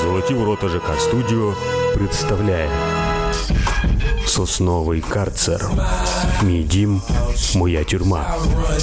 Золоті ворота ЖК Студіо представляє Сосновий карцер. Мій дім, моя тюрма.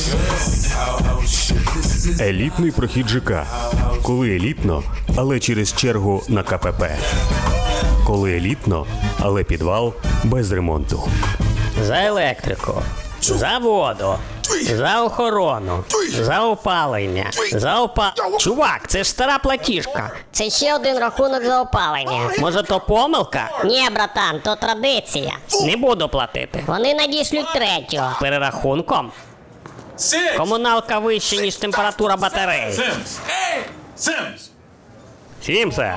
Елітний прохід ЖК. Коли елітно, але через чергу на КПП. Коли елітно, але підвал без ремонту. За електрику, за воду, за охорону, за опалення, Чувак, це ж стара платіжка. Це ще один рахунок за опалення. Може, то помилка? Ні, братан, то традиція. Не буду платити. Вони надішлють третього. Перерахунком? Комуналка вища, ніж температура батареї. Симс! Сімсе,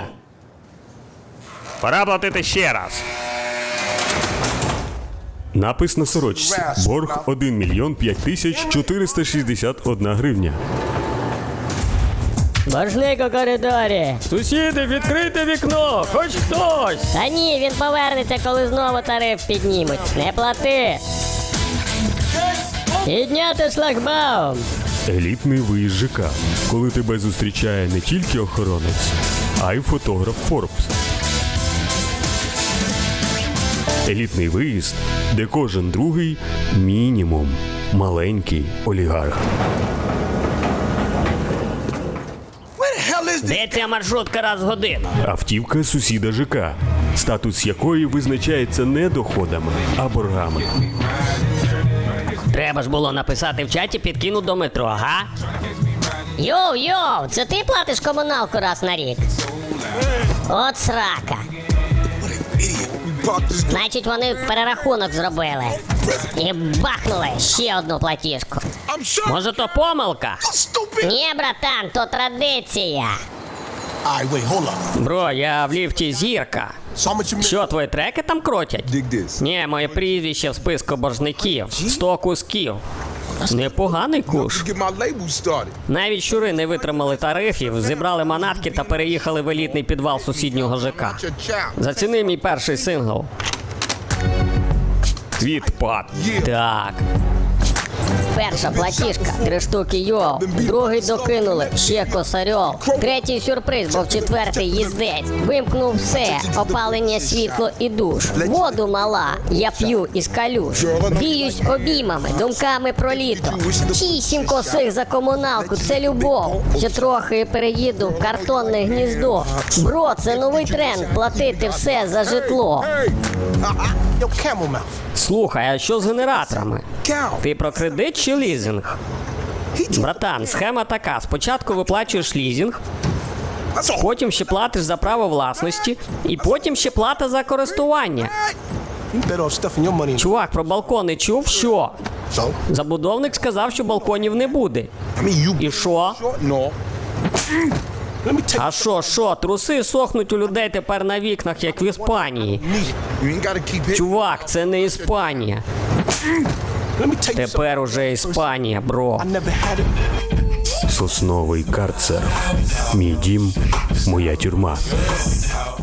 пора платити ще раз. Напис на сорочці. Борг 1 мільйон 5 тисяч 461 гривня. Боржник у коридорі. Сусіди, відкрийте вікно, хоч хтось. Та ні, він повернеться, коли знову тариф піднімуть. Не плати. Підняти шлагбаум. Елітний виїзд ЖК. Коли тебе зустрічає не тільки охоронець, а й фотограф Forbes. Елітний виїзд, де кожен другий мінімум маленький олігарх. Де ця маршрутка раз в годину? Автівка сусіда ЖК, статус якої визначається не доходами, а боргами. Треба ж було написати в чаті «підкину до метро», га? Йоу, це ти платиш комуналку раз на рік? От срака. Значить, вони перерахунок зробили. І бахнули ще одну платіжку. Може, то помилка? Ні, братан, то традиція. Бро, я в ліфті зірка. Що, твої треки там крутять? Ні, моє прізвище в списку боржників. 100 кусків. Непоганий куш. Навіть щури не витримали тарифів, зібрали манатки та переїхали в елітний підвал сусіднього ЖК. Заціни мій перший сингл. Відпад. Так. Перша платіжка, 3 штуки йоу. Другий докинули, ще косарьов. Третій сюрприз, бо в четвертий їздець. Вимкнув все, опалення, світло і душ. Воду мала, я п'ю із калюш. Біюсь обіймами, думками про літо. 8 косих за комуналку, це любов. Ще трохи і переїду в картонне гніздо. Бро, це новий тренд, платити все за житло. Слухай, а що з генераторами? Ти про кредит чи лізинг? Братан, схема така. Спочатку виплачуєш лізинг, потім ще платиш за право власності, і потім ще плата за користування. Чувак, про балкони чув? Що? Забудовник сказав, що балконів не буде. І що? А що, труси сохнуть у людей тепер на вікнах, як в Іспанії. Чувак, це не Іспанія. Тепер уже Іспанія, бро. Сосновий карцер. Мій дім, моя тюрма.